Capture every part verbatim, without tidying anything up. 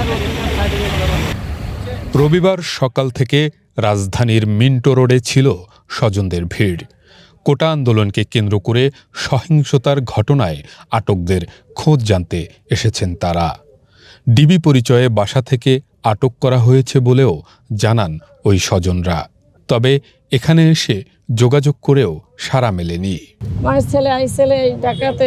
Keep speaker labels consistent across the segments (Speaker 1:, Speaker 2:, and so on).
Speaker 1: রবিবার সকাল থেকে রাজধানীর মিন্টো রোডে ছিল স্বজনদের ভিড়। কোটা আন্দোলনকে কেন্দ্র করে সহিংসতার ঘটনায় আটকদের খোঁজ জানতে এসেছেন তারা। ডিবি পরিচয়ে বাসা থেকে আটক করা হয়েছে বলেও জানান ওই স্বজনরা। তবে এখানে এসে যোগাযোগ করেও সাড়া মেলেনি।
Speaker 2: আমার ছেলে আইসেলে ঢাকাতে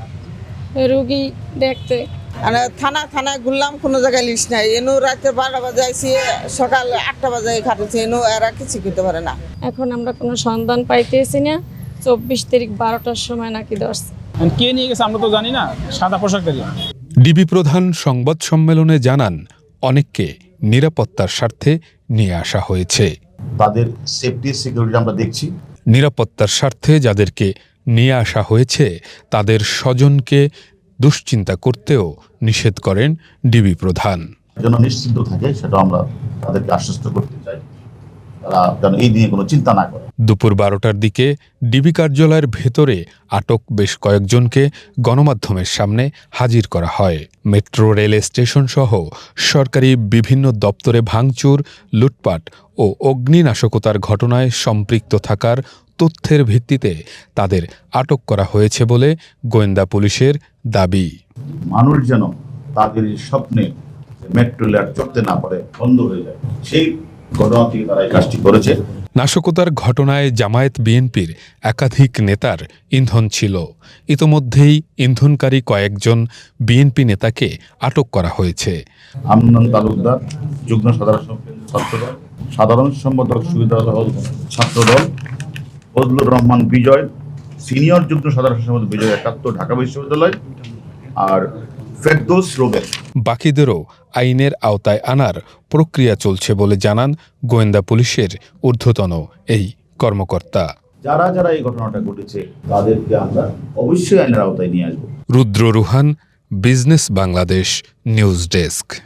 Speaker 2: রুগী দেখতে,
Speaker 3: থানা থানায় ঘুরলাম, কোনো জায়গায় লিস্ট নাই। এনু রাতে বারোটা বাজে আইসি, সকাল আটটা বাজে খাটেছি, এনু এরা কিছু করতে পারে না।
Speaker 2: এখন আমরা কোনো সন্ধান পাইতেছি না। চব্বিশ তারিখ বারোটার সময় নাকি ধরছে।
Speaker 4: কে নিয়ে গেছে আমরা তো জানি না, সাদা পোশাকধারী।
Speaker 1: ডিবি প্রধান সংবাদ সম্মেলনে জানান, অনেককে নিরাপত্তার স্বার্থে নিয়ে আসা হয়েছে।
Speaker 5: তাদের সেফটি সিকিউরিটি আমরা দেখছি।
Speaker 1: নিরাপত্তার স্বার্থে যাদেরকে নিয়ে আসা হয়েছে তাদের স্বজনকে দুশ্চিন্তা করতেও নিষেধ করেন ডিবি প্রধান।
Speaker 5: যেন নিশ্চিন্ত থাকে সেটা আমরা তাদেরকে আশ্বস্ত করতে চাই, তারা যেন এই নিয়ে কোনো চিন্তা না করে।
Speaker 1: দুপুর বারোটার দিকে ডিবি কার্যালয়ের ভেতরে আটক বেশ কয়েকজনকে গণমাধ্যমের সামনে হাজির করা হয়। মেট্রো রেল স্টেশন সহ সরকারি বিভিন্ন দপ্তরে ভাঙচুর, লুটপাট ও অগ্নিনাশকতার ঘটনায় সম্পৃক্ত থাকার তথ্যের ভিত্তিতে তাদের আটক করা হয়েছে বলে গোয়েন্দা পুলিশের দাবি।
Speaker 5: মানুষ যেন তাদের স্বপ্নে মেট্রো রেল চলতে না পারে, বন্ধ হয়ে যায়, সেই ঘটনা থেকে তারা এই কাজটি করেছে।
Speaker 1: নাশকতার ঘটনায় জামায়াত বিএনপির একাধিক নেতার ইন্ধন ছিল। ইতোমধ্যেই ইন্ধনকারী কয়েকজন বিএনপি নেতাকে আটক করা হয়েছে।
Speaker 5: আমনান তালুকদার, যুগ্ম সাধারণ ছাত্রদল, সাধারণ সম্পাদক সুবিধাদল ছাত্রদল, ফজলুর রহমান বিজয়, সিনিয়র যুগ্ম সাধারণ সম্পাদক বিজয় একাত্তর ঢাকা বিশ্ববিদ্যালয়, আর ফেরদৌস রোবেল।
Speaker 1: বাকিদেরও আইনের আওতায় আনার প্রক্রিয়া চলছে বলে জানান গোয়েন্দা পুলিশের ঊর্ধ্বতন এই কর্মকর্তা।
Speaker 5: যারা যারা এই ঘটনাটা ঘটেছে তাদেরকে আমরা অবশ্যই আইনের আওতায় নিয়ে আসবো।
Speaker 1: Rudra Ruhan, business Bangladesh news desk.